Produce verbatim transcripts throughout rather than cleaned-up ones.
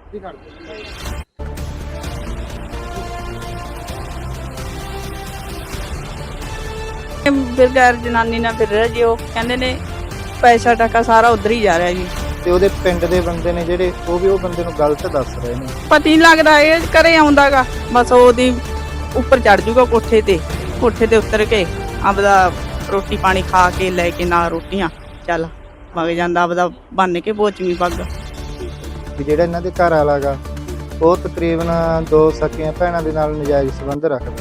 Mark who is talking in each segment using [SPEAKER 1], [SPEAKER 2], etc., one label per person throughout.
[SPEAKER 1] ਬਗੈਰ ਜਨਾਨੀ ਨਾਲ ਫਿਰ ਰਿਹਾ ਜੀ। ਉਹ ਕਹਿੰਦੇ ਨੇ ਪੈਸਾ ਟਕਾ ਸਾਰਾ ਉਧਰ ਹੀ ਜਾ ਰਿਹਾ ਜੀ।
[SPEAKER 2] ਤੇ ਉਹਦੇ ਪਿੰਡ ਦੇ ਬੰਦੇ ਨੇ ਜਿਹੜੇ ਉਹ ਵੀ ਉਹ ਬੰਦੇ ਨੂੰ ਗਲਤ ਦੱਸ ਰਹੇ ਨੇ।
[SPEAKER 1] ਪਤਾ ਨਹੀਂ ਲੱਗਦਾ ਇਹ ਘਰੇ ਆਉਂਦਾਗਾ, ਬਸ ਉਹਦੀ ਉੱਪਰ ਚੜ ਜੂਗਾ ਕੋਠੇ ਤੇ, ਕੋਠੇ ਤੇ ਉਤਰ ਕੇ ਆਪਦਾ ਰੋਟੀ ਪਾਣੀ ਖਾ ਕੇ ਲੈ ਕੇ ਨਾਲ ਰੋਟੀਆਂ ਚੱਲ ਵਗ ਜਾਂਦਾ, ਆਪਦਾ ਬੰਨ ਕੇ ਪੋਚਵੀਂ ਪੱਗ।
[SPEAKER 2] ਜਿਹੜਾ ਇਹਨਾਂ ਦੇ ਘਰ ਵਾਲਾ ਗਾ ਉਹ ਤਕਰੀਬਨ ਦੋ ਸਕੀਆਂ ਭੈਣਾਂ ਦੇ ਨਾਲ ਨਜਾਇਜ਼ ਸੰਬੰਧ ਰੱਖਦਾ।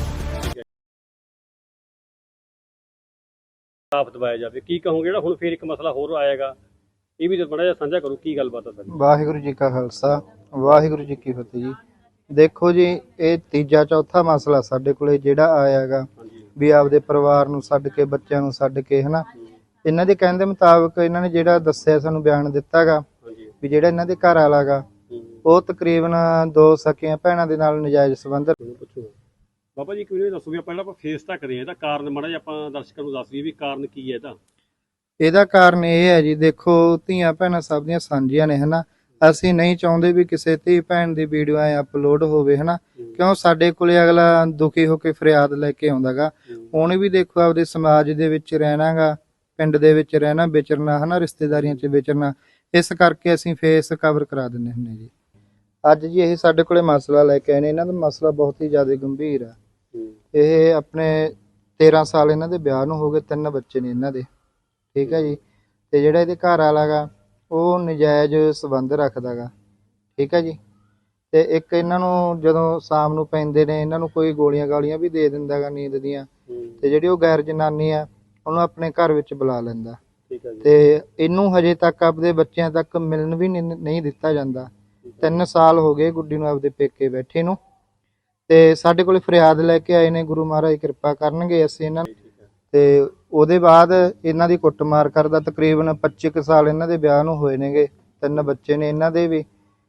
[SPEAKER 3] ਆਪ ਦਵਾਇਆ ਜਾਵੇ, ਕੀ ਕਹੋਗੇ? ਜਿਹੜਾ ਹੁਣ ਫੇਰ ਇੱਕ ਮਸਲਾ ਹੋਰ ਆਏਗਾ, ਇਹ ਵੀ ਬੜਾ ਜਿਹਾ ਸਾਂਝਾ ਕਰੋ, ਕੀ ਗੱਲਬਾਤ ਆ ਸਾਡੀ?
[SPEAKER 2] ਵਾਹਿਗੁਰੂ ਜੀ ਕਾ ਖਾਲਸਾ, ਵਾਹਿਗੁਰੂ ਜੀ ਕੀ ਫਤਿਹ ਜੀ। ਦੇਖੋ ਜੀ, ਇਹ ਤੀਜਾ ਚੌਥਾ ਮਸਲਾ ਸਾਡੇ ਕੋਲੇ ਜਿਹੜਾ ਆਇਆ ਹੈਗਾ ਵੀ ਆਪਦੇ ਪਰਿਵਾਰ ਨੂੰ ਛੱਡ ਕੇ, ਬੱਚਿਆਂ ਨੂੰ ਛੱਡ ਕੇ, ਹਨਾ। ਇਹਨਾਂ ਦੇ ਕਹਿਣ ਦੇ ਮੁਤਾਬਕ ਇਹਨਾਂ ਨੇ ਜਿਹੜਾ ਦੱਸਿਆ, ਸਾਨੂੰ ਬਿਆਨ ਦਿੱਤਾ ਗਾ ਵੀ ਜਿਹੜਾ ਇਹਨਾਂ ਦੇ ਘਰ ਵਾਲਾ ਗਾ ਉਹ ਤਕਰੀਬਨ ਦੋ ਸਕੀਆਂ ਭੈਣਾਂ ਦੇ ਨਾਲ ਨਜਾਇਜ਼ ਸੰਬੰਧ।
[SPEAKER 3] ਬਾਬਾ ਜੀ ਕਿਵੇਂ ਦੱਸੋ ਵੀ ਪਹਿਲਾਂ ਆਪਾਂ ਫੇਸ ਤੱਕ ਰਹੇ ਇਹਦਾ ਕਾਰਨ ਮਾੜਾ ਜਿਹਾ ਆਪਾਂ ਦਰਸ਼ਕਾਂ ਨੂੰ ਦੱਸ ਦਈਏ ਵੀ ਕਾਰਨ ਕੀ ਹੈ ਇਹਦਾ?
[SPEAKER 2] ਇਹਦਾ ਕਾਰਨ ਇਹ ਹੈ ਜੀ, ਦੇਖੋ ਧੀਆਂ ਭੈਣਾਂ ਸਭ ਦੀਆਂ ਸਾਂਝੀਆਂ ਨੇ, ਹਨਾ। ਅਸੀਂ ਨਹੀਂ ਚਾਹੁੰਦੇ ਵੀ ਕਿਸੇ ਧੀ ਭੈਣ ਦੀ ਵੀਡੀਓ ਐ ਅਪਲੋਡ ਹੋਵੇ, ਹਨਾ। ਕਿਉਂ ਸਾਡੇ ਕੋਲੇ ਅਗਲਾ ਦੁਖੀ ਹੋ ਕੇ ਫਰਿਆਦ ਲੈ ਕੇ ਆਉਂਦਾ ਗਾ। ਉਹਨੇ ਵੀ ਦੇਖੋ ਆਪਦੇ ਸਮਾਜ ਦੇ ਵਿੱਚ ਰਹਿਣਾ ਗਾ, ਪਿੰਡ ਦੇ ਵਿੱਚ ਰਹਿਣਾ, ਵਿਚਰਨਾ, ਹਨਾ, ਰਿਸ਼ਤੇਦਾਰੀਆਂ 'ਚ ਵਿਚਰਨਾ। ਇਸ ਕਰਕੇ ਅਸੀਂ ਫੇਸ ਕਵਰ ਕਰਾ ਦਿੰਦੇ ਹੁੰਦੇ ਜੀ। ਅੱਜ ਜੀ ਇਹ ਸਾਡੇ ਕੋਲੇ ਮਸਲਾ ਲੈ ਕੇ ਆਏ ਨੇ। ਇਹਨਾਂ ਦਾ ਮਸਲਾ ਬਹੁਤ ਹੀ ਜ਼ਿਆਦਾ ਗੰਭੀਰ ਆ। ਇਹ ਆਪਣੇ ਤੇਰਾਂ ਸਾਲ ਇਹਨਾਂ ਦੇ ਵਿਆਹ ਨੂੰ ਹੋ ਗਏ, ਤਿੰਨ ਬੱਚੇ ਨੇ ਇਹਨਾਂ ਦੇ, ਠੀਕ ਹੈ ਜੀ। ਤੇ ਜਿਹੜਾ ਇਹਦੇ ਘਰ ਵਾਲਾ ਗਾ ਉਹ ਨਜਾਇਜ਼ ਸੰਬੰਧ ਰੱਖਦਾ ਗਾ, ਠੀਕ ਹੈ ਜੀ। ਤੇ ਇੱਕ ਇਹਨਾਂ ਨੂੰ ਜਦੋਂ ਸ਼ਾਮ ਨੂੰ ਪੈਂਦੇ ਨੇ, ਇਹਨਾਂ ਨੂੰ ਕੋਈ ਗੋਲੀਆਂ ਗਾਲੀਆਂ ਵੀ ਦੇ ਦਿੰਦਾ ਗਾ ਨੀਂਦ ਦੀਆਂ। ਤੇ ਜਿਹੜੀ ਉਹ ਗੈਰ ਜਨਾਨੀ ਆ ਉਹਨੂੰ ਆਪਣੇ ਘਰ ਵਿੱਚ ਬੁਲਾ ਲੈਂਦਾ। ਤੇ ਇਹਨੂੰ ਹਜੇ ਤੱਕ ਆਪਦੇ ਬੱਚਿਆਂ ਤੱਕ ਮਿਲਣ ਵੀ ਨਹੀਂ ਦਿੱਤਾ ਜਾਂਦਾ। ਤਿੰਨ ਸਾਲ ਹੋ ਗਏ ਗੁੱਡੀ ਨੂੰ ਆਪਦੇ ਪੇਕੇ ਬੈਠੇ ਨੂੰ। ਤੇ ਸਾਡੇ ਕੋਲ ਫਰਿਆਦ ਲੈ ਕੇ ਆਏ ਨੇ, ਗੁਰੂ ਮਹਾਰਾਜ ਕਿਰਪਾ ਕਰਨਗੇ ਅਸੀਂ ਇਹਨਾਂ ਨੂੰ। ਤੇ ਉਹਦੇ ਬਾਅਦ ਇਹਨਾਂ ਦੀ ਕੁੱਟਮਾਰ ਕਰਦਾ। ਤਕਰੀਬਨ ਪੱਚੀ ਕੁ ਸਾਲ ਇਹਨਾਂ ਦੇ ਵਿਆਹ ਨੂੰ ਹੋਏ ਨੇਗੇ, ਤਿੰਨ ਬੱਚੇ ਨੇ ਇਹਨਾਂ ਦੇ ਵੀ।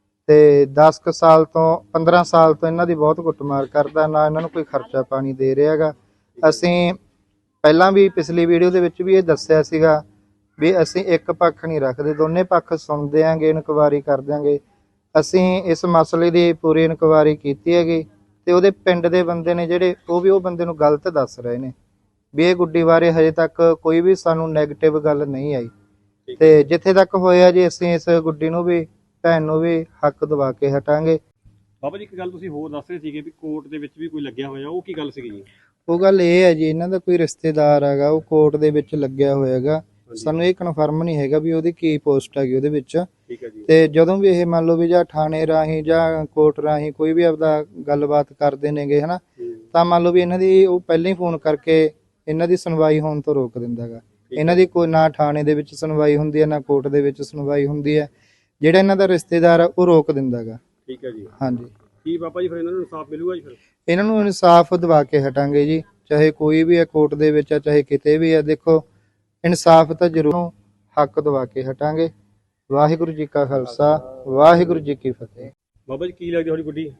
[SPEAKER 2] ਤੇ ਦਸ ਕੁ ਸਾਲ ਤੋਂ ਪੰਦਰਾਂ ਸਾਲ ਤੋਂ ਇਹਨਾਂ ਦੀ ਬਹੁਤ ਕੁੱਟਮਾਰ ਕਰਦਾ, ਨਾ ਇਹਨਾਂ ਨੂੰ ਕੋਈ ਖਰਚਾ ਪਾਣੀ ਦੇ ਰਿਹਾ ਗਾ। ਅਸੀਂ ਪਹਿਲਾਂ ਵੀ ਪਿਛਲੀ ਵੀਡੀਓ ਦੇ ਵਿੱਚ ਵੀ ਇਹ ਦੱਸਿਆ ਸੀਗਾ ਵੀ ਅਸੀਂ ਇੱਕ ਪੱਖ ਨਹੀਂ ਰੱਖਦੇ, ਦੋਨੇ ਪੱਖ ਸੁਣਦੇ ਆਂਗੇ, ਇਨਕੁਆਇਰੀ ਕਰ ਦਿਆਂਗੇ। ਅਸੀਂ ਇਸ ਮਸਲੇ ਦੀ ਪੂਰੀ ਇਨਕੁਆਇਰੀ ਕੀਤੀ ਹੈਗੀ। ਤੇ ਉਹਦੇ ਪਿੰਡ ਦੇ ਬੰਦੇ ਨੇ ਜਿਹੜੇ ਉਹ ਵੀ ਉਹ ਬੰਦੇ ਨੂੰ ਗਲਤ ਦੱਸ ਰਹੇ ਨੇ ਵੀ ਇਹ ਗੁੱਡੀ ਬਾਰੇ ਹਜੇ ਤੱਕ ਕੋਈ ਵੀ ਸਾਨੂੰ ਨੈਗੇਟਿਵ ਗੱਲ ਨਹੀਂ ਆਈ। ਤੇ ਜਿੱਥੇ ਤੱਕ ਹੋਇਆ ਜੀ ਅਸੀਂ ਇਸ ਗੁੱਡੀ ਨੂੰ ਵੀ, ਭੈਣ ਨੂੰ ਵੀ ਹੱਕ ਦਵਾ ਕੇ ਹਟਾਂਗੇ।
[SPEAKER 3] ਬਾਬਾ ਜੀ ਇੱਕ ਗੱਲ ਤੁਸੀਂ ਹੋਰ ਦੱਸ ਰਹੇ ਸੀਗੇ ਵੀ ਕੋਰਟ ਦੇ ਵਿੱਚ ਵੀ ਕੋਈ ਲੱਗਿਆ ਹੋਇਆ, ਉਹ ਕੀ ਗੱਲ ਸੀਗੀ ਜੀ?
[SPEAKER 2] ਉਹ ਗੱਲ ਇਹ ਹੈ ਜੀ, ਇਹਨਾਂ ਦਾ ਕੋਈ ਰਿਸ਼ਤੇਦਾਰ ਹੈਗਾ, ਉਹ ਕੋਰਟ ਦੇ ਵਿੱਚ ਲੱਗਿਆ ਹੋਇਆ ਹੈਗਾ। ਸਾਨੂੰ ਇਹ ਕਨਫਰਮ ਨਹੀਂ ਹੈਗਾ ਵੀ ਉਹਦੀ ਕੀ ਪੋਸਟ ਹੈਗੀ ਉਹਦੇ ਵਿੱਚ। ਤੇ ਜਦੋਂ ਵੀ ਇਹ ਮੰਨ ਲਓ ਵੀ ਜਾਂ ਥਾਣੇ ਰਾਹੀਂ ਜਾਂ ਕੋਰਟ ਰਾਹੀਂ ਕੋਈ ਵੀ ਆਪਦਾ ਗੱਲਬਾਤ ਕਰਦੇ ਨੇਗੇ, ਹਨਾ, ਤਾਂ ਮੰਨ ਲਓ ਵੀ ਇਹਨਾਂ ਦੀ ਉਹ ਪਹਿਲਾਂ ਹੀ ਫੋਨ ਕਰਕੇ ਇਹਨਾਂ ਦੀ ਸੁਣਵਾਈ ਹੋਣ ਤੋਂ ਰੋਕ ਦਿੰਦਾ ਗਾ। ਇਹਨਾਂ ਦੀ ਕੋਈ ਨਾ ਥਾਣੇ ਦੇ ਵਿੱਚ ਸੁਣਵਾਈ ਹੁੰਦੀ ਹੈ, ਨਾ ਕੋਰਟ ਦੇ ਵਿੱਚ ਸੁਣਵਾਈ ਹੁੰਦੀ ਹੈ। ਜਿਹੜਾ ਇਹਨਾਂ ਦਾ ਰਿਸ਼ਤੇਦਾਰ ਆ ਉਹ ਰੋਕ ਦਿੰਦਾ ਗਾ। ਠੀਕ ਹੈ ਜੀ। ਹਾਂਜੀ। ਕੀ ਬਾਬਾ ਜੀ ਫਿਰ ਇਹਨਾਂ ਨੂੰ ਇਨਸਾਫ ਮਿਲੂਗਾ ਜੀ? ਫਿਰ ਇਹਨਾਂ ਨੂੰ ਇਨਸਾਫ ਦਵਾ ਕੇ ਹਟਾਂਗੇ ਜੀ, ਚਾਹੇ ਕੋਈ ਵੀ ਹੈ ਕੋਰਟ ਦੇ ਵਿੱਚ ਆ, ਚਾਹੇ ਕਿਤੇ ਵੀ ਆ। ਦੇਖੋ ਇਨਸਾਫ ਤਾਂ ਜ਼ਰੂਰ, ਹੱਕ ਦਵਾ ਕੇ ਹਟਾਂਗੇ। ਵਾਹਿਗੁਰੂ ਜੀ ਕਾ ਖਾਲਸਾ, ਵਾਹਿਗੁਰੂ ਜੀ ਕੀ ਫਤਿਹ।
[SPEAKER 3] ਬਾਬਾ ਜੀ ਕੀ ਲੱਗਦੀ ਤੁਹਾਡੀ ਗੁੱਡੀ?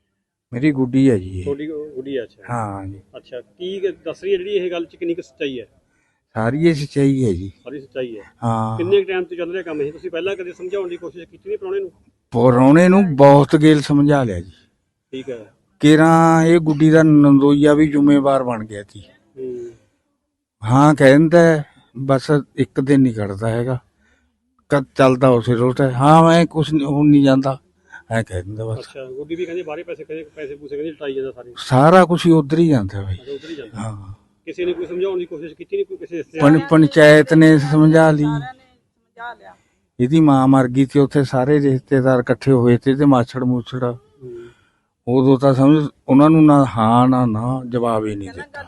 [SPEAKER 4] ਮੇਰੀ ਗੁੱਡੀ ਹੈ ਜੀ।
[SPEAKER 3] ਤੁਹਾਡੀ ਗੁੱਡੀ ਹੈ? ਅੱਛਾ।
[SPEAKER 4] ਹਾਂ ਜੀ।
[SPEAKER 3] ਅੱਛਾ, ਕੀ ਦੱਸ ਰਹੀ ਹੈ ਜਿਹੜੀ ਇਹ ਗੱਲ ਚ, ਕਿੰਨੀ ਕੁ ਸੱਚਾਈ ਹੈ?
[SPEAKER 4] ਸਾਰੀ ਇਹ ਸੱਚਾਈ ਹੈ ਜੀ।
[SPEAKER 3] ਸਾਰੀ ਸੱਚਾਈ ਹੈ।
[SPEAKER 4] ਹਾਂ।
[SPEAKER 3] ਕਿੰਨੇ ਟਾਈਮ ਤੋਂ ਚੱਲ ਰਿਹਾ ਕੰਮ ਇਹ? ਤੁਸੀਂ ਪਹਿਲਾਂ ਕਦੇ ਸਮਝਾਉਣ ਦੀ ਕੋਸ਼ਿਸ਼ ਕੀਤੀ ਨਹੀਂ ਪ੍ਰਾਹੁਣੇ ਨੂੰ?
[SPEAKER 4] ਪ੍ਰਾਹੁਣੇ ਨੂੰ ਬਹੁਤ ਗੇਲ ਸਮਝਾ ਲਿਆ ਜੀ।
[SPEAKER 3] ਠੀਕ ਹੈ।
[SPEAKER 4] ਕਿਰਾਂ ਇਹ ਗੁੱਡੀ ਦਾ ਨੰਦੋਈਆ ਵੀ ਜ਼ਿੰਮੇਵਾਰ ਬਣ ਗਿਆ ਸੀ। ਹਾਂ ਕਹਿੰਦਾ ਬਸ ਇੱਕ ਦਿਨ ਨਹੀਂ ਕੱਢਦਾ ਹੈਗਾ, ਕਦ ਚੱਲਦਾ ਉਸੇ ਰੋਟ ਹੈ। ਹਾਂ ਮੈਂ ਕੁਛ ਹੁਣ ਨਹੀਂ ਜਾਂਦਾ ਐ ਕਹਿ ਦਿੰਦਾ ਬਸ। ਅੱਛਾ, ਗੁੱਡੀ ਵੀ ਕਹਿੰਦੀ ਬਾਹਰੇ ਪੈਸੇ ਪੈਸੇ ਪੂਸੇ ਕਹਿੰਦੀ ਲਟਾਈ ਜਾਂਦਾ ਸਾਰੇ, ਸਾਰਾ ਕੁਛ ਹੀ ਉਧਰ ਹੀ ਜਾਂਦਾ ਬਾਈ। ਉਧਰ ਹੀ ਜਾਂਦਾ। ਹਾਂ। ਕਿਸੇ ਨੇ ਕੋਈ ਸਮਝਾਉਣ ਦੀ ਕੋਸ਼ਿਸ਼ ਕੀਤੀ ਨਹੀਂ? ਕੋਈ ਕਿਸੇ ਪੰਚਾਇਤ ਨੇ ਸਮਝਾ ਲਈ, ਇਹਦੀ ਮਾਂ ਮਰ ਗਈ ਸੀ, ਉੱਥੇ ਸਾਰੇ ਰਿਸ਼ਤੇਦਾਰ ਇਕੱਠੇ ਹੋਏ ਤੇ ਤੇ ਮਾਛੜ ਮੂਛੜ, ਉਦੋਂ ਤਾਂ ਸਮਝ ਉਹਨਾਂ ਨੂੰ ਨਾ ਹਾਂ ਨਾ ਨਾ ਜਵਾਬ ਹੀ ਨਹੀਂ ਦਿੱਤਾ।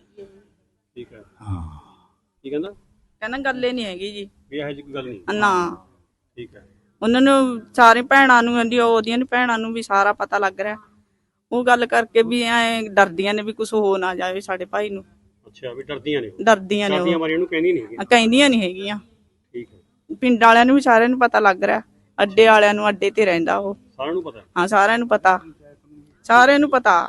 [SPEAKER 3] ਠੀਕ ਹੈ।
[SPEAKER 4] ਹਾਂ।
[SPEAKER 3] ਕੀ ਕਹਿੰਦਾ?
[SPEAKER 1] ਕਹਿੰਦਾ ਗੱਲ ਹੀ ਨਹੀਂ ਹੈਗੀ ਜੀ,
[SPEAKER 3] ਵੀ ਇਹੋ ਜਿਹੀ ਕੋਈ ਗੱਲ ਨਹੀਂ
[SPEAKER 1] ਨਾ।
[SPEAKER 3] ਠੀਕ ਹੈ।
[SPEAKER 1] ਉਹਨਾਂ ਨੂੰ ਸਾਰੇ ਭੈਣਾਂ ਨੂੰ, ਉਹਦੀਆਂ ਭੈਣਾਂ ਨੂੰ ਵੀ ਸਾਰਾ ਪਤਾ ਲੱਗ ਰਿਹਾ। ਉਹ ਗੱਲ ਕਰਕੇ ਵੀ ਐ ਡਰਦੀਆਂ ਨੇ ਵੀ ਕੁਝ ਹੋ ਨਾ ਜਾਵੇ ਸਾਡੇ ਭਾਈ ਨੂੰ।
[SPEAKER 3] ਅੱਛਾ, ਵੀ ਡਰਦੀਆਂ ਨੇ?
[SPEAKER 1] ਡਰਦੀਆਂ ਨੇ,
[SPEAKER 3] ਡਰਦੀਆਂ ਮਾਰੀਆਂ ਨੂੰ ਕਹਿੰਦੀਆਂ ਨਹੀਂ ਹੈਗੀਆਂ।
[SPEAKER 1] ਕਹਿੰਦੀਆਂ ਨਹੀਂ ਹੈਗੀਆਂ।
[SPEAKER 3] ਠੀਕ ਹੈ।
[SPEAKER 1] ਪਿੰਡ ਵਾਲਿਆਂ ਨੂੰ ਵੀ ਸਾਰਿਆਂ ਨੂੰ ਪਤਾ ਲੱਗ ਰਿਹਾ, ਅੱਡੇ ਵਾਲਿਆਂ ਨੂੰ, ਅੱਡੇ ਤੇ ਰਹਿੰਦਾ ਉਹ।
[SPEAKER 3] ਸਾਰਿਆਂ ਨੂੰ ਪਤਾ? ਹਾਂ,
[SPEAKER 1] ਸਾਰਿਆਂ ਨੂੰ ਪਤਾ, ਸਾਰਿਆਂ ਨੂੰ ਪਤਾ।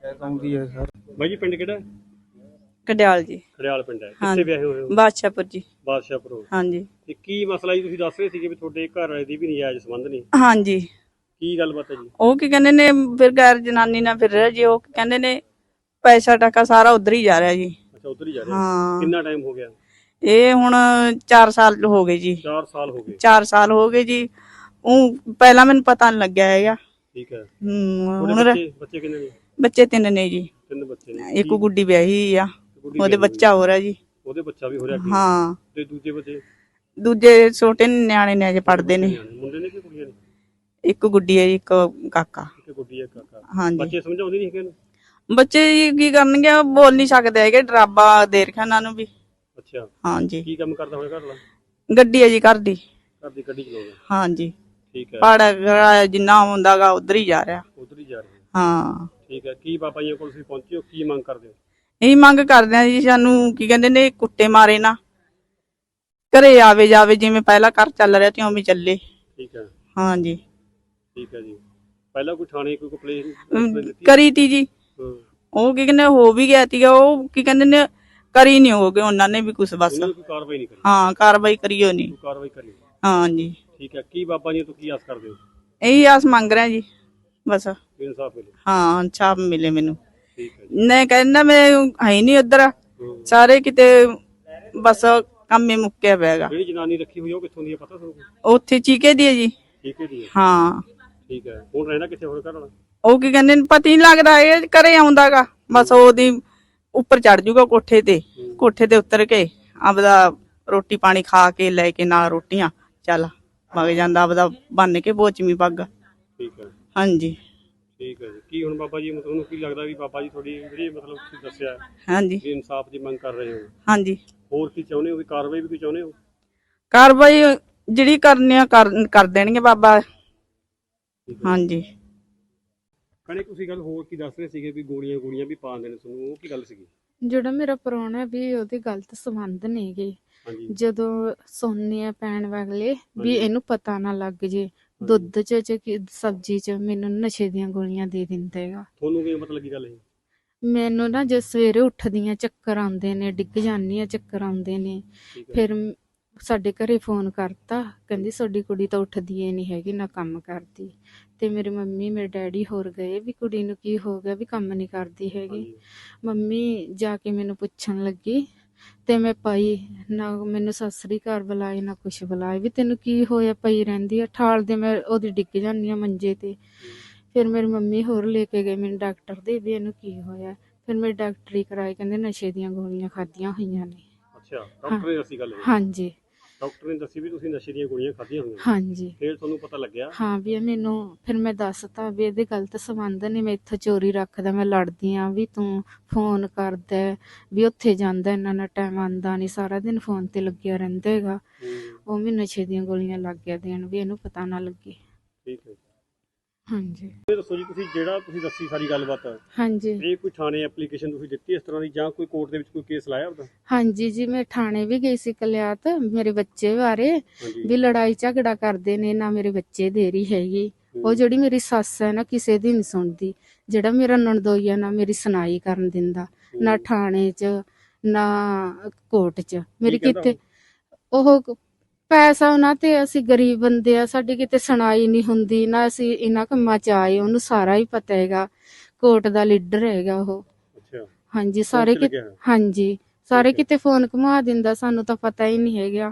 [SPEAKER 3] ਬਾਈ ਜੀ ਪਿੰਡ ਕਿਹੜਾ?
[SPEAKER 1] ਕੜਿਆਲ ਜੀ।
[SPEAKER 3] ਕੜਿਆਲ ਪਿੰਡ ਹੈ। ਕਿੱਥੇ ਵਿਆਹੇ ਹੋਏ ਹੋ?
[SPEAKER 1] ਬਾਦਸ਼ਾਹਪੁਰ ਜੀ।
[SPEAKER 3] ਬਾਦਸ਼ਾਹਪੁਰ।
[SPEAKER 1] ਹਾਂਜੀ।
[SPEAKER 3] ਤੇ ਕੀ ਮਸਲਾ ਜੀ ਤੁਸੀਂ ਦੱਸ ਰਹੇ ਸੀਗੇ ਵੀ ਤੁਹਾਡੇ ਘਰ ਵਾਲੇ ਦੀ ਵੀ ਨਜਾਇਜ਼ ਸੰਬੰਧ ਨਹੀਂ?
[SPEAKER 1] ਹਾਂਜੀ।
[SPEAKER 3] ਕੀ ਗੱਲਬਾਤ ਹੈ ਜੀ?
[SPEAKER 1] ਉਹ ਕੀ ਕਹਿੰਦੇ ਨੇ ਫਿਰ ਗੈਰ ਜਨਾਨੀ ਨਾਲ ਫਿਰ ਰਿਹਾ ਜੀ। ਉਹ ਕੀ ਕਹਿੰਦੇ ਨੇ ਪੈਸਾ ਟਕਾ ਸਾਰਾ ਉਧਰ ਹੀ ਜਾ ਰਿਹਾ ਜੀ।
[SPEAKER 3] ਅੱਛਾ ਉਧਰ ਹੀ ਜਾ ਰਿਹਾ।
[SPEAKER 1] ਹਾਂ
[SPEAKER 3] ਕਿੰਨਾ ਟਾਈਮ ਹੋ ਗਿਆ?
[SPEAKER 1] ਇਹ ਹੁਣ ਚਾਰ ਸਾਲ ਹੋ ਗਏ ਜੀ।
[SPEAKER 3] ਚਾਰ ਸਾਲ ਹੋ ਗਏ।
[SPEAKER 1] ਚਾਰ ਸਾਲ ਹੋ ਗਏ ਜੀ। ਉਹ ਪਹਿਲਾਂ ਮੈਨੂੰ ਪਤਾ ਨਹੀਂ ਲੱਗਿਆ ਹੈਗਾ।
[SPEAKER 3] ਠੀਕ ਹੈ।
[SPEAKER 1] ਹੂੰ
[SPEAKER 3] ਤੁਹਾਡੇ
[SPEAKER 1] ਹੁਣ
[SPEAKER 3] ਬੱਚੇ ਬੱਚੇ ਕਿੰਨੇ ਨੇ?
[SPEAKER 1] ਬੱਚੇ ਤਿੰਨ ਨੇ ਜੀ।
[SPEAKER 3] ਤਿੰਨ ਬੱਚੇ ਨੇ।
[SPEAKER 1] ਇੱਕ ਗੁੱਡੀ ਵਿਆਹੀ ਆ,
[SPEAKER 3] ਗੁੱਡੀ
[SPEAKER 1] ਉਹਦੇ
[SPEAKER 3] ਵਿਆਹੀ
[SPEAKER 1] ਬੱਚਾ ਹੋ ਰਿਹਾ ਜੀ।
[SPEAKER 3] ਉਹਦੇ ਬੱਚਾ ਵੀ ਹੋ ਰਿਹਾ ਕੀ?
[SPEAKER 1] ਹਾਂ
[SPEAKER 3] ਤੇ ਦੂਜੇ ਬੱਚੇ?
[SPEAKER 1] ਦੂਜੇ ਛੋਟੇ ਨਿਆਣੇ ਨੇ ਅਜੇ ਪੜਦੇ ਨੇ।
[SPEAKER 3] ਮੁੰਡੇ ਨੇ ਕਿ ਕੁੜੀਆਂ ਨੇ?
[SPEAKER 1] ਇੱਕ ਗੁੱਡੀ ਹੈ ਜੀ, ਇੱਕ ਕਾਕਾ।
[SPEAKER 3] ਇੱਕ ਗੁੱਡੀ ਹੈ ਕਾਕਾ।
[SPEAKER 1] ਹਾਂਜੀ
[SPEAKER 3] ਬੱਚੇ ਸਮਝਾਉਂਦੇ ਨਹੀਂ ਹੈਗੇ?
[SPEAKER 1] ਬੱਚੇ ਜੀ ਕੀ ਕਰਨਗੇ, ਉਹ ਬੋਲ ਨਹੀਂ ਸਕਦੇ ਹੈਗੇ, ਡਰਾਬਾ ਦੇ ਰੱਖਿਆ ਉਹਨਾਂ ਨੂੰ ਵੀ।
[SPEAKER 3] ਅੱਛਾ
[SPEAKER 1] ਹਾਂਜੀ
[SPEAKER 3] ਕੀ ਕੰਮ ਕਰਦਾ ਹੋਇਆ ਘਰ ਵਾਲਾ?
[SPEAKER 1] ਗੱਡੀ ਹੈ ਜੀ ਘਰ ਦੀ।
[SPEAKER 3] ਘਰ ਦੀ ਗੱਡੀ ਚਲਾਉਂਦਾ?
[SPEAKER 1] ਹਾਂਜੀ
[SPEAKER 3] ਠੀਕ ਹੈ।
[SPEAKER 1] ਭਾੜਾ ਕਿਰਾਇਆ ਜਿੰਨਾ ਹੁੰਦਾਗਾ ਉਧਰ ਹੀ ਜਾ ਰਿਹਾ।
[SPEAKER 3] ਉਧਰ ਹੀ ਜਾ ਰਹੇ?
[SPEAKER 1] ਹਾਂ
[SPEAKER 3] ਠੀਕ ਹੈ। ਕੀ ਬਾਬਾ ਜੀ ਕੋਲ ਤੁਸੀਂ ਪਹੁੰਚੇ ਹੋ, ਕੀ ਮੰਗ ਕਰਦੇ ਹੋ?
[SPEAKER 1] ਇਹੀ ਮੰਗ ਕਰਦੇ ਆ ਜੀ, ਸਾਨੂੰ ਕੀ ਕਹਿੰਦੇ ਨੇ ਕੁੱਟੇ ਮਾਰੇ ਨਾ, ਘਰੇ ਆਵੇ ਜਾਵੇ, ਜਿਵੇਂ ਪਹਿਲਾਂ ਘਰ ਚੱਲ ਰਿਹਾ ਤੇ ਉਵੇਂ ਚੱਲੇ।
[SPEAKER 3] ਠੀਕ ਹੈ।
[SPEAKER 1] ਹਾਂਜੀ
[SPEAKER 3] ਠੀਕ ਹੈ ਜੀ। ਪਹਿਲਾਂ ਕੋਈ ਥਾਣੇ ਕੋਈ ਕੰਪਲੇਨ
[SPEAKER 1] ਅਮ, ਕਰੀ ਤੀ ਜੀ।
[SPEAKER 3] ਹਾਂ
[SPEAKER 1] ਉਹ ਕੀ ਕਹਿੰਦੇ ਹੋ ਵੀ ਗਿਆ ਤੀਗਾ, ਉਹ ਕੀ ਕਹਿੰਦੇ ਨੇ ਕਰੀ ਨਹੀਂ ਹੋ ਗਏ ਉਹਨਾਂ ਨੇ ਵੀ ਕੁਛ ਬਸ।
[SPEAKER 3] ਉਹਨਾਂ ਨੇ ਕੋਈ ਕਾਰਵਾਈ ਨਹੀਂ ਕਰੀ?
[SPEAKER 1] ਹਾਂ ਕਾਰਵਾਈ ਕਰੀਓ ਨਹੀਂ।
[SPEAKER 3] ਕੋਈ ਕਾਰਵਾਈ ਕਰੀ?
[SPEAKER 1] ਹਾਂਜੀ
[SPEAKER 3] ਠੀਕ ਹੈ। ਕੀ ਬਾਬਾ ਜੀ ਤੋਂ ਕੀ ਆਸ ਕਰਦੇ ਹੋ?
[SPEAKER 1] ਇਹੀ ਆਸ ਮੰਗ ਰਿਹਾ ਜੀ ਬਸ।
[SPEAKER 3] ਇਨਸਾਫ ਮਿਲੇ?
[SPEAKER 1] ਹਾਂ ਇਨਸਾਫ ਮਿਲੇ ਮੈਨੂੰ।
[SPEAKER 3] ਠੀਕ ਹੈ ਜੀ।
[SPEAKER 1] ਨਹੀਂ ਕਹਿੰਦਾ ਮੈਂ ਹੈ ਨਹੀਂ ਉੱਧਰ,
[SPEAKER 3] ਹਾਂ।
[SPEAKER 1] ਸਾਰੇ ਕਿਤੇ ਬਸ ਕੰਮ ਹੀ ਮੁੱਕਿਆ ਪਿਆਗਾ।
[SPEAKER 3] ਜਿਹੜੀ ਜਨਾਨੀ ਰੱਖੀ ਹੋਈ ਆ ਉਹ ਕਿੱਥੋਂ ਦੀ ਹੈ, ਪਤਾ ਤੁਹਾਨੂੰ?
[SPEAKER 1] ਉੱਥੇ ਚੀਕੇ ਦੀ ਹੈ ਜੀ।
[SPEAKER 3] ਠੀਕ ਹੈ ਜੀ।
[SPEAKER 1] ਹਾਂ
[SPEAKER 3] ਠੀਕ ਹੈ। ਹੁਣ ਰਹਿਣਾ ਕਿੱਥੇ ਹੋਰ ਘਰ ਵਾਲਾ?
[SPEAKER 1] ਉਹ ਕੀ ਕਹਿੰਦੇ ਨੇ ਪਤਾ ਨਹੀਂ ਲੱਗਦਾ, ਇਹ ਘਰੇ ਆਉਂਦਾਗਾ ਬਸ ਉਹਦੀ ਉੱਪਰ ਚੜ ਜੂਗਾ ਕੋਠੇ ਤੇ, ਕੋਠੇ ਤੇ ਉਤਰ ਕੇ ਆਪਦਾ ਰੋਟੀ ਪਾਣੀ ਖਾ ਕੇ ਲੈ ਕੇ ਨਾਲ ਰੋਟੀਆਂ ਚੱਲ ਵਗ ਜਾਂਦਾ ਆਪਦਾ ਬੰਨ ਕੇ ਬੋਚਵੀਂ ਪੱਗ।
[SPEAKER 3] ਠੀਕ ਹੈ।
[SPEAKER 1] ਹਾਂਜੀ
[SPEAKER 3] ਠੀਕ ਹੈ ਜੀ। ਕੀ ਹੁਣ ਬਾਬਾ ਜੀ ਤੁਹਾਨੂੰ ਕੀ ਲੱਗਦਾ ਵੀ ਬਾਬਾ ਜੀ ਤੁਹਾਡੀ ਜਿਹੜੀ ਮਤਲਬ ਤੁਸੀਂ ਦੱਸਿਆ
[SPEAKER 1] ਹਾਂਜੀ
[SPEAKER 3] ਵੀ ਇਨਸਾਫ ਦੀ ਮੰਗ ਕਰ ਰਹੇ ਹੋ,
[SPEAKER 1] ਹਾਂਜੀ
[SPEAKER 3] ਹੋਰ ਕੀ ਚਾਹੁੰਦੇ ਹੋ? ਵੀ ਕਾਰਵਾਈ ਵੀ ਕੀ ਚਾਹੁੰਦੇ ਹੋ?
[SPEAKER 1] ਕਾਰਵਾਈ ਜਿਹੜੀ ਕਰਨੀ ਆ ਕਰ ਕਰ ਦੇਣਗੇ ਬਾਬਾ।
[SPEAKER 3] ਠੀਕ ਹੈ।
[SPEAKER 1] ਹਾਂਜੀ
[SPEAKER 3] ਕਣੇ ਤੁਸੀਂ ਗੱਲ ਹੋਰ ਕੀ ਦੱਸ ਰਹੇ ਸੀਗੇ ਵੀ ਗੋਲੀਆਂ ਗੋਲੀਆਂ ਵੀ ਪਾਉਂਦੇ ਨੇ ਤੁਹਾਨੂੰ, ਉਹ ਕੀ ਗੱਲ ਸੀਗੀ?
[SPEAKER 5] ਜਿਹੜਾ ਮੇਰਾ ਪ੍ਰਾਹੁਣਾ ਵੀ ਉਹਦੇ ਗਲਤ ਸੰਬੰਧ ਨੇਗੇ।
[SPEAKER 3] ਹਾਂਜੀ
[SPEAKER 5] ਜਦੋਂ ਸੌਂਦੇ ਆ ਪੈਣ ਵਾਲੇ ਵੀ
[SPEAKER 3] ਹਾਂਜੀ।
[SPEAKER 5] ਇਹਨੂੰ ਪਤਾ ਨਾ ਲੱਗ ਜੇ, ਦੁੱਧ ਚ ਚ ਕਿ ਸਬਜ਼ੀ ਚ ਮੈਨੂੰ ਨਸ਼ੇ ਦੀਆਂ ਗੋਲੀਆਂ ਦੇ ਦਿੰਦਾ ਹੈਗਾ।
[SPEAKER 3] ਤੁਹਾਨੂੰ ਕੀ ਮਤਲਬ ਕੀ ਗੱਲ ਹੈ?
[SPEAKER 5] ਮੈਨੂੰ ਨਾ ਜੇ ਸਵੇਰੇ ਉੱਠਦੀਆਂ ਚੱਕਰ ਆਉਂਦੇ ਨੇ, ਡਿੱਗ ਜਾਂਦੀ ਆ, ਚੱਕਰ ਆਉਂਦੇ ਨੇ।
[SPEAKER 3] ਠੀਕ ਹੈ।
[SPEAKER 5] ਫਿਰ ਮ- ਸਾਡੇ ਘਰੇ ਫੋਨ ਕਰਤਾ, ਕਹਿੰਦੀ ਤੁਹਾਡੀ ਕੁੜੀ ਤਾਂ ਉੱਠਦੀ ਏ ਨਹੀਂ ਹੈਗੀ, ਨਾ ਕੰਮ ਕਰਦੀ। ਤੇ ਮੇਰੀ ਮੰਮੀ ਮੇਰੇ ਡੈਡੀ ਹੋਰ ਗਏ ਵੀ ਕੁੜੀ ਨੂੰ ਕੀ ਹੋ ਗਿਆ, ਵੀ ਕੰਮ ਨਹੀਂ ਕਰਦੀ ਹੈਗੀ।
[SPEAKER 3] ਹਾਂਜੀ।
[SPEAKER 5] ਮੰਮੀ ਜਾ ਕੇ ਮੈਨੂੰ ਪੁੱਛਣ ਲੱਗੀ ਤੇ ਮੈਂ ਪਈ ਨਾ, ਮੈਨੂੰ ਸਤਿ ਸ੍ਰੀ ਅਕਾਲ ਬੁਲਾਏ ਨਾ ਕੁਛ ਬੁਲਾਏ, ਵੀ ਤੈਨੂੰ ਕੀ ਹੋਇਆ, ਪਈ ਰਹਿੰਦੀ ਆ। ਠਾਲ ਦੇ ਮੈਂ ਉਹਦੀ ਡਿੱਗ ਜਾਂਦੀ ਆ ਮੰਜੇ ਤੇ। ਫਿਰ ਮੇਰੀ ਮੰਮੀ ਹੋਰ ਲੈ ਕੇ ਗਏ ਮੈਨੂੰ ਡਾਕਟਰ ਦੇ, ਵੀ ਇਹਨੂੰ ਕੀ ਹੋਇਆ। ਫਿਰ ਮੈਂ ਡਾਕਟਰੀ ਕਰਾਈ, ਕਹਿੰਦੇ ਨਸ਼ੇ ਦੀਆਂ ਗੋਲੀਆਂ ਖਾਧੀਆਂ ਹੋਈਆਂ ਨੇ।
[SPEAKER 3] ਅੱਛਾ ਡਾਕਟਰ ਨੇ ਦੱਸੀ ਗੱਲ ਇਹ?
[SPEAKER 5] ਹਾਂਜੀ
[SPEAKER 3] ਡਾਕਟਰ ਨੇ ਦੱਸੀ ਵੀ ਤੁਸੀਂ ਨਸ਼ੇ ਦੀਆਂ ਗੋਲੀਆਂ ਖਾਧੀਆਂ ਹੋਈਆਂ?
[SPEAKER 5] ਹਾਂਜੀ
[SPEAKER 3] ਫਿਰ ਤੁਹਾਨੂੰ ਪਤਾ ਲੱਗਿਆ?
[SPEAKER 5] ਹਾਂ ਵੀ ਇਹ ਮੈਨੂੰ, ਫਿਰ ਮੈਂ ਦੱਸਤਾ ਵੀ ਇਹਦੇ ਗਲਤ ਸੰਬੰਧ ਨੇ, ਮੈਂ ਇੱਥੋਂ ਚੋਰੀ ਰੱਖਦਾ, ਮੈਂ ਲੜਦੀ ਆ ਵੀ ਤੂੰ ਫੋਨ ਕਰਦਾ ਵੀ ਉੱਥੇ ਜਾਂਦਾ, ਇੰਨਾ ਨਾ ਟਾਈਮ ਆਉਂਦਾ ਨਹੀਂ, ਸਾਰਾ ਦਿਨ ਫੋਨ ਤੇ ਲੱਗਿਆ ਰਹਿੰਦਾ ਹੈਗਾ।
[SPEAKER 3] ਹੂੰ।
[SPEAKER 5] ਉਹ ਵੀ ਨਸ਼ੇ ਦੀਆਂ ਗੋਲੀਆਂ ਲੱਗ ਗਿਆ ਦੇਣ, ਵੀ ਇਹਨੂੰ ਪਤਾ ਨਾ ਲੱਗੇ।
[SPEAKER 3] ਠੀਕ ਹੈ।
[SPEAKER 5] ਹਾਂਜੀ
[SPEAKER 3] ਇਹ ਦੱਸੋ ਜੀ, ਤੁਸੀਂ ਜਿਹੜਾ ਤੁਸੀਂ ਦੱਸੀ ਸਾਰੀ ਗੱਲਬਾਤ,
[SPEAKER 5] ਹਾਂਜੀ
[SPEAKER 3] ਇਹ ਕੋਈ ਥਾਣੇ ਐਪਲੀਕੇਸ਼ਨ ਤੁਸੀਂ ਦਿੱਤੀ ਇਸ ਤਰ੍ਹਾਂ ਦੀ, ਜਾਂ ਕੋਈ ਕੋਰਟ ਦੇ ਵਿੱਚ ਕੋਈ ਕੇਸ ਲਾਇਆ ਉਹਦਾ?
[SPEAKER 5] ਹਾਂਜੀ ਜੀ, ਮੈਂ ਥਾਣੇ ਵੀ ਗਈ ਸੀ ਕਲਿਆਤ, ਮੇਰੇ ਬੱਚੇ ਬਾਰੇ
[SPEAKER 3] ਹਾਂਜੀ।
[SPEAKER 5] ਵੀ ਲੜਾਈ ਝਗੜਾ ਕਰਦੇ ਨੇ, ਨਾ ਮੇਰੇ ਬੱਚੇ ਦੇ ਰਹੀ ਹੈਗੀ। ਉਹ ਜਿਹੜੀ ਮੇਰੀ ਸੱਸ ਹੈ ਨਾ, ਕਿਸੇ ਦੀ ਨਹੀਂ ਸੁਣਦੀ। ਜਿਹੜਾ ਮੇਰਾ ਨਣਦੋਈਆ ਨਾ ਮੇਰੀ ਸੁਣਾਈ ਕਰਨ ਦਿੰਦਾ, ਨਾ ਥਾਣੇ 'ਚ ਨਾ ਕੋਰਟ 'ਚ ਮੇਰੀ
[SPEAKER 3] ਕਹਿੰਦਾ
[SPEAKER 5] ਕਿਤੇ। ਉਹ ਪੈਸਾ ਉਹਨਾਂ ਤੇ, ਅਸੀਂ ਗਰੀਬ ਬੰਦੇ ਆ, ਸਾਡੀ ਕਿਤੇ ਸੁਣਾਈ ਨਹੀਂ ਹੁੰਦੀ, ਨਾ ਅਸੀਂ ਇਹਨਾਂ ਕੰਮਾਂ 'ਚ ਆਏ। ਉਹਨੂੰ ਸਾਰਾ ਹੀ ਪਤਾ ਹੈਗਾ, ਕੋਰਟ ਦਾ ਲੀਡਰ ਹੈਗਾ ਉਹ।
[SPEAKER 3] ਅੱਛਾ
[SPEAKER 5] ਹਾਂਜੀ ਸਾਰੇ
[SPEAKER 3] ਕੋਰਟ 'ਚ
[SPEAKER 5] ਕਿਤੇ,
[SPEAKER 3] ਲੱਗਿਆ ਹੋਇਆ?
[SPEAKER 5] ਹਾਂਜੀ ਸਾਰੇ
[SPEAKER 3] ਠੀਕ ਹੈ।
[SPEAKER 5] ਕਿਤੇ ਫੋਨ ਘੁਮਾ ਦਿੰਦਾ, ਸਾਨੂੰ ਤਾਂ ਪਤਾ ਹੀ ਨਹੀਂ ਹੈਗਾ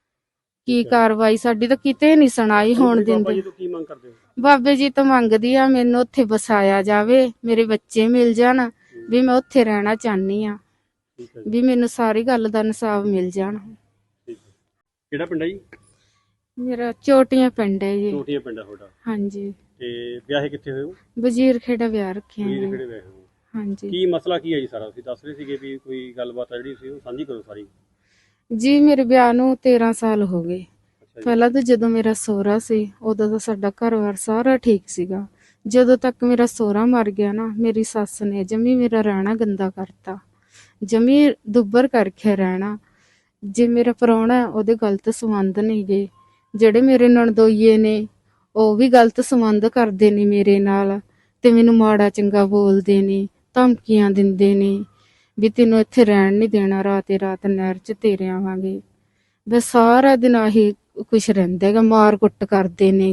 [SPEAKER 5] ਕੀ
[SPEAKER 3] ਠੀਕ ਹੈ।
[SPEAKER 5] ਕਾਰਵਾਈ। ਸਾਡੀ ਤਾਂ ਕਿਤੇ ਨਹੀਂ ਸੁਣਾਈ
[SPEAKER 3] ਹੁਣ
[SPEAKER 5] ਹੋਣ
[SPEAKER 3] ਤੁਸੀਂ ਬਾਬਾ
[SPEAKER 5] ਦਿੰਦੇ।
[SPEAKER 3] ਜੀ ਤੋਂ ਕੀ ਮੰਗ ਕਰਦੇ ਹੋ?
[SPEAKER 5] ਬਾਬੇ ਜੀ ਤੋਂ ਮੰਗਦੀ ਆ ਮੈਨੂੰ ਉੱਥੇ ਵਸਾਇਆ ਜਾਵੇ, ਮੇਰੇ ਬੱਚੇ ਮਿਲ ਜਾਣ, ਵੀ ਮੈਂ ਉੱਥੇ ਰਹਿਣਾ ਚਾਹਨੀ ਆ,
[SPEAKER 3] ਠੀਕ ਹੈ ਜੀ।
[SPEAKER 5] ਵੀ ਮੈਨੂੰ ਸਾਰੀ ਗੱਲ ਦਾ ਇਨਸਾਫ ਮਿਲ ਜਾਣ।
[SPEAKER 3] ਠੀਕ ਹੈ। ਕਿਹੜਾ ਪਿੰਡ ਹੈ ਜੀ?
[SPEAKER 5] ਮੇਰਾ ਚੋਟੀਆਂ ਪਿੰਡ ਹੈ ਜੀ।
[SPEAKER 3] ਚੋਟੀਆਂ ਪਿੰਡ ਹੈ ਤੁਹਾਡਾ।
[SPEAKER 5] ਹਾਂਜੀ
[SPEAKER 3] ਤੇ ਵਿਆਹੇ ਕਿੱਥੇ ਹੋਏ ਹੋ?
[SPEAKER 5] ਵਜ਼ੀਰ ਖੇੜਾ ਵਿਆਹ ਰੱਖਿਆ
[SPEAKER 3] ਵੀਰ
[SPEAKER 5] ਹੈ।
[SPEAKER 3] ਕਿਹੜੇ ਵਿਆਹੇ ਹੋ?
[SPEAKER 5] ਹਾਂਜੀ
[SPEAKER 3] ਕੀ ਮਸਲਾ ਕੀ ਹੈ ਜੀ ਸਾਰਾ? ਤੁਸੀਂ ਦੱਸ ਰਹੇ ਸੀਗੇ ਵੀ ਕੋਈ ਗੱਲਬਾਤ ਹੈ ਜਿਹੜੀ ਸੀ, ਉਹ ਸਾਂਝੀ ਕਰੋ ਸਾਰੀ।
[SPEAKER 5] ਜੀ, ਮੇਰੇ ਵਿਆਹ ਨੂੰ ਤੇਰਾਂ ਸਾਲ ਹੋ ਗਏ।
[SPEAKER 3] ਅੱਛਾ ਜੀ।
[SPEAKER 5] ਪਹਿਲਾਂ ਤਾਂ ਜਦੋਂ ਮੇਰਾ ਸਹੁਰਾ ਸੀ, ਉਦੋਂ ਤਾਂ ਸਾਡਾ ਘਰ-ਬਾਰ ਸਾਰਾ ਠੀਕ ਸੀਗਾ। ਜਦੋਂ ਤੱਕ ਮੇਰਾ ਸਹੁਰਾ ਮਰ ਗਿਆ ਨਾ, ਮੇਰੀ ਸੱਸ ਨੇ ਜਮੀ ਮੇਰਾ ਰਹਿਣਾ ਗੰਦਾ ਕਰਤਾ, ਜਮੀ ਦੁੱਬਰ ਕਰਕੇ ਰਹਿਣਾ। ਜੇ ਮੇਰਾ ਪ੍ਰਾਹੁਣਾ, ਉਹਦੇ ਗਲਤ ਸੰਬੰਧ ਨਹੀਂ ਗੇ। ਜਿਹੜੇ ਮੇਰੇ ਨਣਦੋਈਏ ਨੇ, ਉਹ ਵੀ ਗਲਤ ਸੰਬੰਧ ਕਰਦੇ ਨੇ ਮੇਰੇ ਨਾਲ, ਤੇ ਮੈਨੂੰ ਮਾੜਾ ਚੰਗਾ ਬੋਲਦੇ ਨੇ, ਧਮਕੀਆਂ ਦਿੰਦੇ ਨੇ ਵੀ ਤੈਨੂੰ ਇੱਥੇ ਰਹਿਣ ਨਹੀਂ ਦੇਣਾ, ਰਾਤੇ ਰਾਤ ਨਹਿਰ 'ਚ ਤੇਰੇ ਆਵਾਂਗੇ। ਬਸ ਸਾਰਾ ਦਿਨ ਆਹੀ ਕੁਛ ਰਹਿੰਦਾ ਹੈਗਾ, ਮਾਰ ਕੁੱਟ ਕਰਦੇ ਨੇਗੇ।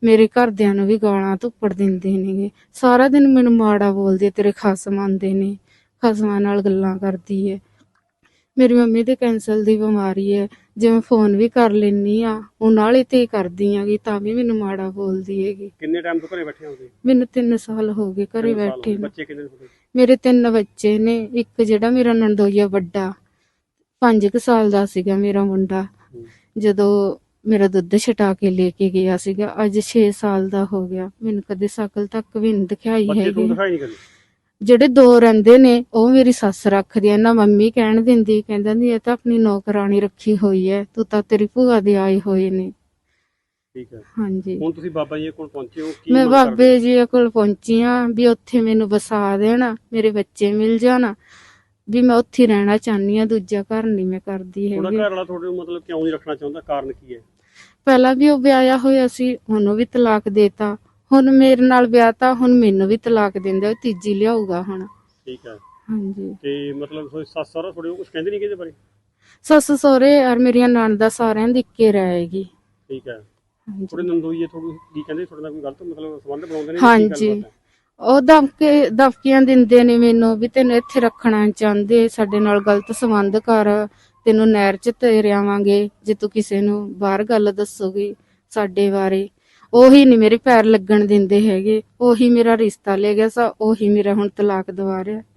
[SPEAKER 5] ਮੇਰੇ ਘਰਦਿਆਂ ਨੂੰ ਵੀ ਗਾਲਾਂ ਧੁੱਪੜ ਦਿੰਦੇ ਨੇਗੇ। ਸਾਰਾ ਦਿਨ ਮੈਨੂੰ ਮਾੜਾ ਬੋਲਦੇ, ਤੇਰੇ ਖਸਮ ਆਉਂਦੇ ਨੇ, ਖਸਮਾਂ ਨਾਲ ਗੱਲਾਂ ਕਰਦੀ ਹੈ। ਮੇਰੀ ਮੰਮੀ ਦੇ ਕੈਂਸਰ ਦੀ ਬਿਮਾਰੀ ਹੈ, ਜੇ ਮੈਂ ਫੋਨ ਵੀ ਕਰ ਲੈਂਦੀ ਆ ਉਹ ਨਾਲੇ ਤੇ ਕਰਦੀ ਆਂਗੀ ਤਾਂ ਵੀ ਮੈਨੂੰ ਮਾੜਾ ਬੋਲਦੀ ਹੈਗੀ।
[SPEAKER 3] ਕਿੰਨੇ ਟਾਈਮ ਤੋਂ ਘਰੇ ਬੈਠੇ ਹੋ ਤੁਸੀਂ?
[SPEAKER 5] ਮੈਨੂੰ ਤਿੰਨ ਸਾਲ ਹੋ ਗਏ ਘਰੇ
[SPEAKER 3] ਤਿੰਨ ਸਾਲ ਹੋ
[SPEAKER 5] ਬੈਠੇ
[SPEAKER 3] ਗਏ।
[SPEAKER 5] ਨੂੰ।
[SPEAKER 3] ਬੱਚੇ ਕਿੰਨੇ ਨੇ ਤੁਹਾਡੇ?
[SPEAKER 5] ਮੇਰੇ ਤਿੰਨ ਬੱਚੇ ਨੇ। ਇੱਕ ਜਿਹੜਾ ਮੇਰਾ ਨਣਦੋਈਆ ਵੱਡਾ ਪੰਜ ਕੁ ਸਾਲ ਦਾ ਸੀਗਾ ਮੇਰਾ ਮੁੰਡਾ,
[SPEAKER 3] ਹੂੰ।
[SPEAKER 5] ਜਦੋਂ ਮੇਰਾ ਦੁੱਧ ਛਟਾ ਕੇ ਲੈ ਕੇ ਗਿਆ ਸੀਗਾ। ਅੱਜ ਛੇ ਸਾਲ ਦਾ ਹੋ ਗਿਆ, ਮੈਨੂੰ ਕਦੇ ਸ਼ਕਲ ਤੱਕ ਵੀ ਨਹੀਂ ਦਿਖਾਈ
[SPEAKER 3] ਬੱਚੇ ਤੁਹਾਨੂੰ
[SPEAKER 5] ਹੈਗੀ।
[SPEAKER 3] ਦਿਖਾਈ ਨਹੀਂ ਕਦੇ?
[SPEAKER 5] ਜਿਹੜੇ ਦੋ ਰਹਿੰਦੇ ਨੇ ਉਹ ਮੇਰੀ ਸੱਸ ਰੱਖਦੀ ਆ, ਨਾ ਮੰਮੀ ਕਹਿਣ ਦਿੰਦੀ, ਕਹਿੰਦੀ ਇਹ ਤਾਂ ਆਪਣੀ ਨੌਕਰਾਣੀ ਰੱਖੀ ਹੋਈ ਹੈ, ਤੂੰ ਤਾਂ ਤੇਰੀ ਭੂਆ ਦੇ ਆਏ ਹੋਏ ਨੇ।
[SPEAKER 3] ਠੀਕ ਹੈ।
[SPEAKER 5] ਹਾਂਜੀ,
[SPEAKER 3] ਹੁਣ ਤੁਸੀਂ ਬਾਬਾ ਜੀ ਕੋਲ ਪਹੁੰਚੇ ਹੋ, ਕੀ
[SPEAKER 5] ਮੈਂ
[SPEAKER 3] ਮੰਗ ਕਰਦੇ
[SPEAKER 5] ਬਾਬੇ ਜੀ ਕੋਲ ਪਹੁੰਚੀ ਆ ਵੀ ਉੱਥੇ ਮੈਨੂੰ ਵਸਾ ਦੇਣ, ਮੇਰੇ ਬੱਚੇ ਮਿਲ ਜਾਣ, ਵੀ ਮੈਂ ਉੱਥੇ ਹੀ ਰਹਿਣਾ ਚਾਹੁੰਦੀ ਆ, ਦੂਜਾ ਘਰ ਨਹੀਂ ਮੈਂ ਕਰਦੀ
[SPEAKER 3] ਹੋ? ਤੁਹਾਡਾ
[SPEAKER 5] ਹੈਗੀ।
[SPEAKER 3] ਘਰ ਵਾਲਾ ਤੁਹਾਡੇ ਨੂੰ ਮਤਲਬ ਕਿਉਂ ਨਹੀਂ ਰੱਖਣਾ ਚਾਹੁੰਦਾ, ਕਾਰਨ ਕੀ ਹੈ?
[SPEAKER 5] ਪਹਿਲਾਂ ਵੀ ਉਹ ਵਿਆਹਿਆ ਹੋਇਆ ਸੀ, ਉਹਨੂੰ ਵੀ ਤਲਾਕ ਦੇਤਾ। ਹੁਣ ਮੇਰੇ ਨਾਲ ਵਿਆਹ ਤਾਂ ਹੁਣ ਮੈਨੂੰ ਵੀ ਤਲਾਕ ਦਿੰਦਾ, ਉਹ ਤੀਜੀ ਲਿਆਊਗਾ ਹੁਣ।
[SPEAKER 3] ਠੀਕ ਹੈ।
[SPEAKER 5] ਹਾਂਜੀ,
[SPEAKER 3] ਤੇ ਮਤਲਬ ਤੁਹਾਡੀ ਸੱਸ ਸਹੁਰਾ ਤੁਹਾਡੇ ਕੁਝ ਕਹਿੰਦੇ ਨਹੀਂ ਇਹਦੇ ਬਾਰੇ?
[SPEAKER 5] ਸੱਸ ਸਹੁਰੇ ਔਰ ਮੇਰੀਆਂ ਨਣਦਾਂ ਸਾਰਿਆਂ ਦੀ ਇੱਕੇ ਰਹੇਗੀ।
[SPEAKER 3] ਠੀਕ ਹੈ।
[SPEAKER 5] ਹਾਂਜੀ,
[SPEAKER 3] ਤੁਹਾਡੇ ਨੰਦੋਈਏ ਤੁਹਾਨੂੰ ਕੀ ਕਹਿੰਦੇ, ਤੁਹਾਡੇ ਨਾਲ ਕੋਈ ਗਲਤ ਮਤਲਬ ਸੰਬੰਧ ਬਣਾਉਂਦੇ ਨੇ? ਜਾਂ ਕੀ
[SPEAKER 5] ਹਾਂਜੀ,
[SPEAKER 3] ਗੱਲਬਾਤ ਹੈ?
[SPEAKER 5] ਉਹ ਦਮਕੇ ਦਮਕੀਆਂ ਦਿੰਦੇ ਨੇ ਮੈਨੂੰ ਵੀ ਤੈਨੂੰ ਇੱਥੇ ਰੱਖਣਾ ਚਾਹੁੰਦੇ, ਸਾਡੇ ਨਾਲ ਗਲਤ ਸੰਬੰਧ ਕਰ, ਤੈਨੂੰ ਨਹਿਰ 'ਚ ਤੇਰ ਆਵਾਂਗੇ ਜੇ ਤੂੰ ਕਿਸੇ ਨੂੰ ਬਾਹਰ ਗੱਲ ਦੱਸੋਗੀ ਸਾਡੇ ਬਾਰੇ। ਉਹੀ ਨਹੀਂ ਮੇਰੇ ਪੈਰ ਲੱਗਣ ਦਿੰਦੇ ਹੈਗੇ, ਉਹੀ ਮੇਰਾ ਰਿਸ਼ਤਾ ਲੈ ਗਿਆ ਸਾ, ਉਹੀ ਮੇਰਾ ਹੁਣ ਤਲਾਕ ਦਵਾ ਰਿਹਾ।